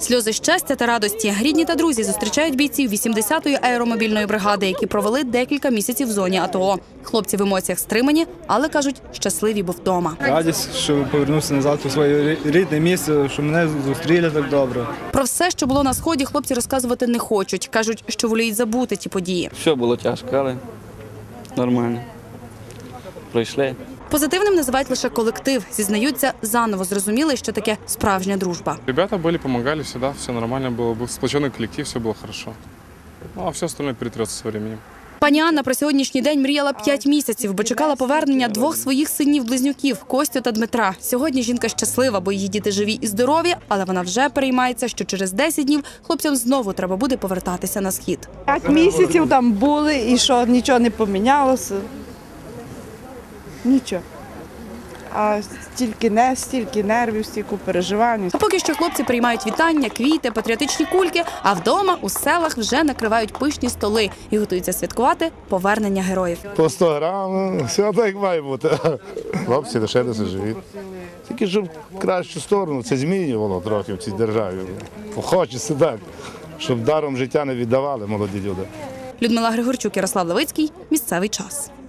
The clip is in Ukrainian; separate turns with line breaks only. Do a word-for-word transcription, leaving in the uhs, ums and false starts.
Сльози щастя та радості. Рідні та друзі зустрічають бійців вісімдесятої аеромобільної бригади, які провели декілька місяців в зоні АТО. Хлопці в емоціях стримані, але, кажуть, щасливі, бо вдома.
Радість, що повернувся назад у своє рідне місце, що мене зустріли так добре.
Про все, що було на Сході, хлопці розказувати не хочуть. Кажуть, що воліють забути ті події.
Все було тяжко, але нормально. Пройшли.
Позитивним називають лише колектив. Зізнаються, заново зрозуміли, що таке справжня дружба.
Ребята были, помогали всегда, все нормально было, был сплоченный коллектив, все было хорошо. Ну, а все остальное перетрется со временем.
Пані Анна про сьогоднішній день мріяла п'ять місяців, бо чекала повернення двох своїх синів-близнюків – Костю та Дмитра. Сьогодні жінка щаслива, бо її діти живі і здорові, але вона вже переймається, що через десять днів хлопцям знову треба буде повертатися на Схід.
П'ять місяців там були і що, нічого не помінялося. Нічого. А стільки не, стільки нервів, стільки переживань.
А поки що хлопці приймають вітання, квіти, патріотичні кульки, а вдома у селах вже накривають пишні столи і готуються святкувати повернення героїв.
По сто грам, все так як має бути. Хлопці лишилися живі. Тільки щоб в кращу сторону це змінювало трохи в цій державі. Хочеться так, щоб даром життя не віддавали молоді люди.
Людмила Григорчук, Ярослав Левицький. Місцевий час.